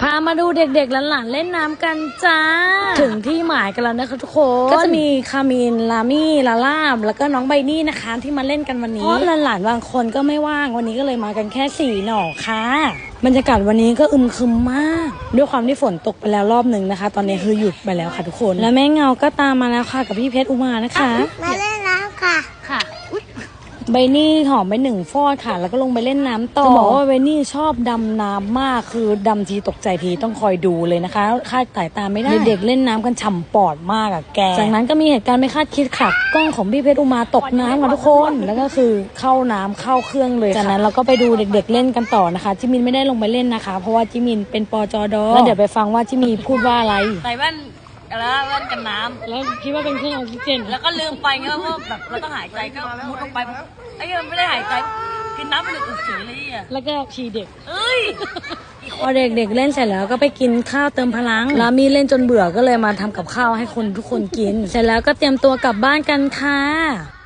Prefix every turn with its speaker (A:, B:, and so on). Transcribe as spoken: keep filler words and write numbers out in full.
A: พามาดูเด็กๆหลานๆเล่นน้ำกันจ้าถึงที่หมายกันแล้วนะคะทุกคนก็จะมีคามินลามี่ลาล่าแล้วก็น้องใบนี่นะคะที่มาเล่นกันวันนี้เพราะหลานๆบางคนก็ไม่ว่างวันนี้ก็เลยมากันแค่สี่หน่อค่ะบรรยากาศวันนี้ก็อึมครึมมากด้วยความที่ฝนตกไปแล้วรอบหนึ่งนะคะตอนนี้คือหยุดไปแล้วค่ะทุกคนและแม่เงาก็ตามมาแล้วค่ะกับพี่เพชรอุมานะคะ
B: มาเล่นน้ำค่ะ
A: ค่ะใบนี่หอมไปหนึ่งฟอดค่ะแล้วก็ลงไปเล่นน้ำต่อจะบอกว่าใบนี่ชอบดำน้ำมากคือดำทีตกใจทีต้องคอยดูเลยนะคะคาดสายตาไม่ได้เด็กๆเล่นน้ำกันฉ่ำปอดมากอะแกจากนั้นก็มีเหตุการณ์ไม่คาดคิดค่ะกล้องของพี่เพชรอุมาตกน้ำค่ะทุกคนแล้วก็คือเข้าน้ำเข้าเครื่องเลยจากนั้นเราก็ไปดูเด็กๆเล่นกันต่อนะคะจิมินไม่ได้ลงไปเล่นนะคะเพราะว่าจิมินเป็นปจดแล้วเดี๋ยวไปฟังว่าจิมินพูดว่าอะไร
C: ใส่แว่นแล้วแว่นกันน้ำ
A: แล้วคิดว่าเป็นเครื่องออกซิเจน
C: แล้วก็ลืมไปเงี้ยว่าแบบเราต้องหายใจก็มุดลงไปไอ้ยังไม่ได้หายใจกินน้ำไปเลยอึดเฉยเลยอ่ะ
A: แล้วก็ฉี่เด็ก
C: เอ้ย
A: พอเด็กๆเล่นเสร็จแล้วก็ไปกินข้าวเติมพลังแล้วมีเล่นจนเบื่อก็เลยมาทำกับข้าวให้คนทุกคนกินเสร็จแล้วก็เตรียมตัวกลับบ้านกันค่ะ